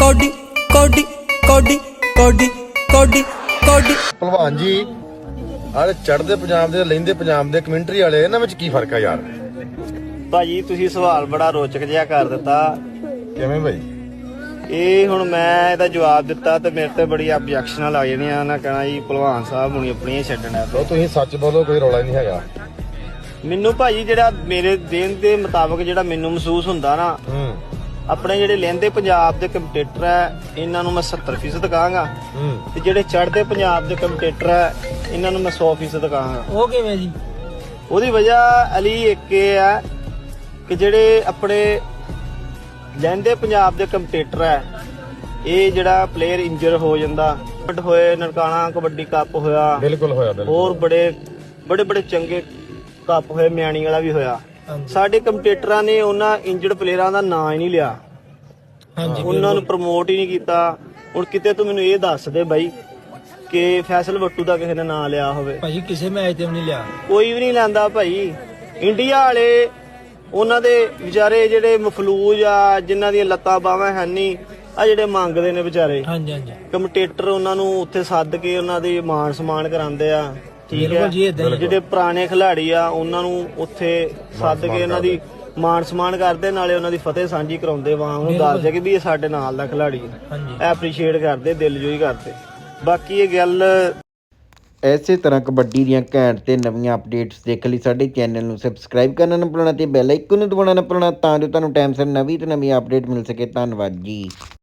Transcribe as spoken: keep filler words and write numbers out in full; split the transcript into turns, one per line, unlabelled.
Cody ਕੋਡੀ ਕੋਡੀ ਕੋਡੀ ਕੋਡੀ ਕੋਡੀ।
ਭਲਵਾਨ ਜੀ ਆਹ ਚੜ੍ਹਦੇ ਪੰਜਾਬ ਦੇ ਲਹਿੰਦੇ ਪੰਜਾਬ ਦੇ ਕਮੈਂਟਰੀ ਵਾਲੇ ਇਹਨਾਂ ਵਿੱਚ ਕੀ ਫਰਕ ਆ ਯਾਰ?
ਭਾਜੀ ਤੁਸੀਂ ਸਵਾਲ ਬੜਾ ਰੋਚਕ ਜਿਹਾ ਕਰ ਦਿੱਤਾ।
ਕਿਵੇਂ ਭਾਈ?
ਇਹ ਹੁਣ ਮੈਂ ਇਹਦਾ ਜਵਾਬ ਦਿੱਤਾ ਤੇ ਮੇਰੇ ਤੇ ਬੜੀ ਆਬਜੈਕਸ਼ਨਾਂ ਲੱਗ ਜਾਣੀਆਂ। ਨਾ ਕਹਿਣਾ ਜੀ ਭਲਵਾਨ ਸਾਹਿਬ ਹੁਣੀ ਆਪਣੀਆਂ ਛੱਡਣਾ।
ਉਹ ਤੁਸੀਂ ਸੱਚ ਬੋਲੋ, ਕੋਈ ਰੌਲਾ ਨਹੀਂ ਹੈਗਾ।
ਮੈਨੂੰ ਭਾਜੀ ਜਿਹੜਾ ਮੇਰੇ ਦੇਣ ਦੇ ਮੁਤਾਬਕ ਜਿਹੜਾ ਮੈਨੂੰ ਮਹਿਸੂਸ ਹੁੰਦਾ ਨਾ,
ਹੂੰ
ਆਪਣੇ ਜਿਹੜੇ ਲਹਿੰਦੇ ਪੰਜਾਬ ਦੇ ਕੰਪੀਟੀਟਰ ਹੈ ਇਹਨਾਂ ਨੂੰ ਮੈਂ ਸੱਤਰ ਫੀਸਦ ਕਹਾਂਗਾ
ਹੂੰ
ਤੇ ਜਿਹੜੇ ਚੜ੍ਹਦੇ ਪੰਜਾਬ ਦੇ ਕੰਪੀਟੀਟਰ ਹੈ ਇਹਨਾਂ ਨੂੰ ਮੈਂ ਸੌ ਫੀਸਦ ਕਹਾਂਗਾ।
ਉਹ ਕਿਵੇਂ ਜੀ?
ਉਹਦੀ ਵਜ੍ਹਾ ਅਲੀ ਇੱਕ ਇਹ ਹੈ ਕਿ ਜਿਹੜੇ ਆਪਣੇ ਲਹਿੰਦੇ ਪੰਜਾਬ ਦੇ ਕੰਪੀਟੀਟਰ ਹੈ, ਇਹ ਜਿਹੜਾ ਪਲੇਅਰ ਇੰਜਰ ਹੋ ਜਾਂਦਾ ਹੋਏ, ਨਨਕਾਣਾ ਕਬੱਡੀ ਕੱਪ ਹੋਇਆ,
ਬਿਲਕੁਲ ਹੋਇਆ ਬਿਲਕੁਲ।
ਹੋਰ ਬੜੇ ਬੜੇ ਬੜੇ ਚੰਗੇ ਕੱਪ ਹੋਏ, ਮਿਆਣੀ ਵਾਲਾ ਵੀ ਹੋਇਆ। ਸਾਡੇ ਕੰਪੀਟੀਟਰਾਂ ਨੇ ਉਹਨਾਂ ਇੰਜਰਡ ਪਲੇਅਰਾਂ ਦਾ ਨਾਂ ਹੀ ਨਹੀਂ ਲਿਆ,
ਹਾਂਜੀ
ਉਹਨਾਂ ਨੂੰ ਪ੍ਰਮੋਟ ਹੀ ਨਹੀਂ ਕੀਤਾ। ਹੁਣ ਕਿਤੇ ਤੂੰ ਮੈਨੂੰ ਇਹ ਦੱਸ ਦੇ ਬਾਈ ਕਿ ਫੈਸਲ ਵੱਟੂ ਦਾ ਕਿਸੇ ਨੇ ਨਾਂ ਲਿਆ ਹੋਵੇ?
ਭਾਜੀ ਕਿਸੇ ਮੈਚ ਤੇ ਵੀ ਨਹੀਂ ਲਿਆ,
ਕੋਈ ਵੀ ਨਹੀਂ ਲੈਂਦਾ ਭਾਈ। ਇੰਡੀਆ ਵਾਲੇ ਉਹਨਾਂ ਦੇ ਵਿਚਾਰੇ ਜਿਹੜੇ ਮਫਲੂਜ ਆ, ਜਿਨ੍ਹਾਂ ਦੀਆਂ ਲੱਤਾਂ ਬਾਹਾਂ ਹੈ ਨਹੀਂ, ਆ ਜਿਹੜੇ ਮੰਗਦੇ ਨੇ ਵਿਚਾਰੇ
ਹਾਂਜੀ ਹਾਂਜੀ
ਕੰਪੀਟੀਟਰ, ਉਹਨਾਂ ਨੂੰ ਉੱਥੇ ਸੱਦ ਕੇ ਉਹਨਾਂ ਦੀ ਮਾਣ ਸਨਮਾਨ ਕਰਾਉਂਦੇ ਆ। ਠੀਕ ਹੈ,
ਬਿਲਕੁਲ ਜੀ, ਏਦਾਂ ਹੀ।
ਜਿਹੜੇ ਪੁਰਾਣੇ ਖਿਡਾਰੀ ਆ ਉਹਨਾਂ ਨੂੰ ਉੱਥੇ ਸੱਦ ਕੇ ਉਹਨਾਂ ਦੀ ਮਾਣ ਸਨਮਾਨ ਕਰਦੇ, ਨਾਲੇ ਉਹਨਾਂ ਦੀ ਫਤਿਹ ਸਾਂਝੀ ਕਰਾਉਂਦੇ, ਵਾਂ ਉਹਨੂੰ ਦੱਸਦੇ ਕਿ ਵੀ ਇਹ ਸਾਡੇ ਨਾਲ ਦਾ ਖਿਡਾਰੀ ਹੈ।
ਹਾਂਜੀ
ਐਪਰੀਸ਼ੀਏਟ ਕਰਦੇ, ਦਿਲਜੋਈ ਕਰਦੇ। ਬਾਕੀ ਇਹ ਗੱਲ
ਇਸੇ ਤਰ੍ਹਾਂ ਕਬੱਡੀ ਦੀਆਂ ਘੈਂਟ ਤੇ ਨਵੀਆਂ ਅਪਡੇਟਸ ਦੇਖਣ ਲਈ ਸਾਡੇ ਚੈਨਲ ਨੂੰ ਸਬਸਕ੍ਰਾਈਬ ਕਰਨਾ ਨਾ ਭੁੱਲਣਾ ਤੇ ਬੈਲ ਆਈਕਨ ਨੂੰ ਦਬਾਉਣਾ ਨਾ ਭੁੱਲਣਾ, ਤਾਂ ਜੋ ਤੁਹਾਨੂੰ ਟਾਈਮ ਸਿਰ ਨਵੀਂ ਤੇ ਨਵੀਂ ਅਪਡੇਟ ਮਿਲ ਸਕੇ। ਧੰਨਵਾਦ ਜੀ।